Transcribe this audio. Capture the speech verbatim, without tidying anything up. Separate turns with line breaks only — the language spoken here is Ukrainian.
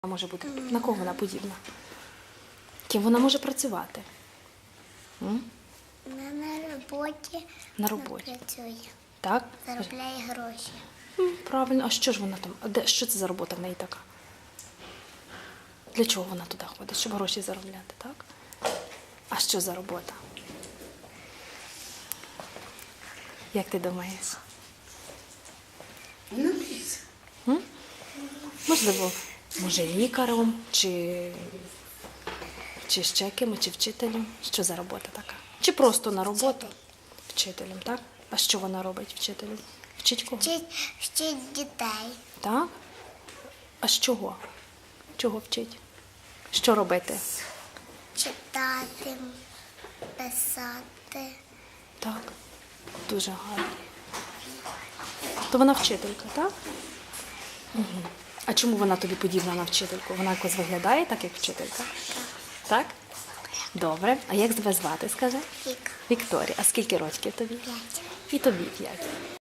Може бути? На кого вона подібна? Ким вона може працювати? М?
Вона на роботі.
На роботі.
Вона працює.
Так?
Заробляє гроші.
М, Правильно. А що ж вона там? А де, що це за робота в неї така? Для чого вона туди ходить? Щоб гроші заробляти, так? А що за робота? Як ти думаєш? М? Можливо, може лікарем, чи, чи ще ким, чи вчителем. Що за робота така? Чи просто на роботу? Вчителем, так? А що вона робить вчителем? Вчить кого?
Вчить, вчить дітей.
Так? А з чого? Чого вчить? Що робити?
Читати, писати.
Так. Дуже гарно. То вона вчителька, так? Угу. А чому вона тобі подібна на вчительку? Вона якось виглядає так, як вчителька? Так? Добре. А як тебе звати, скажи?
Вік.
Вікторія. А скільки років тобі?
П'ять.
І тобі п'ять.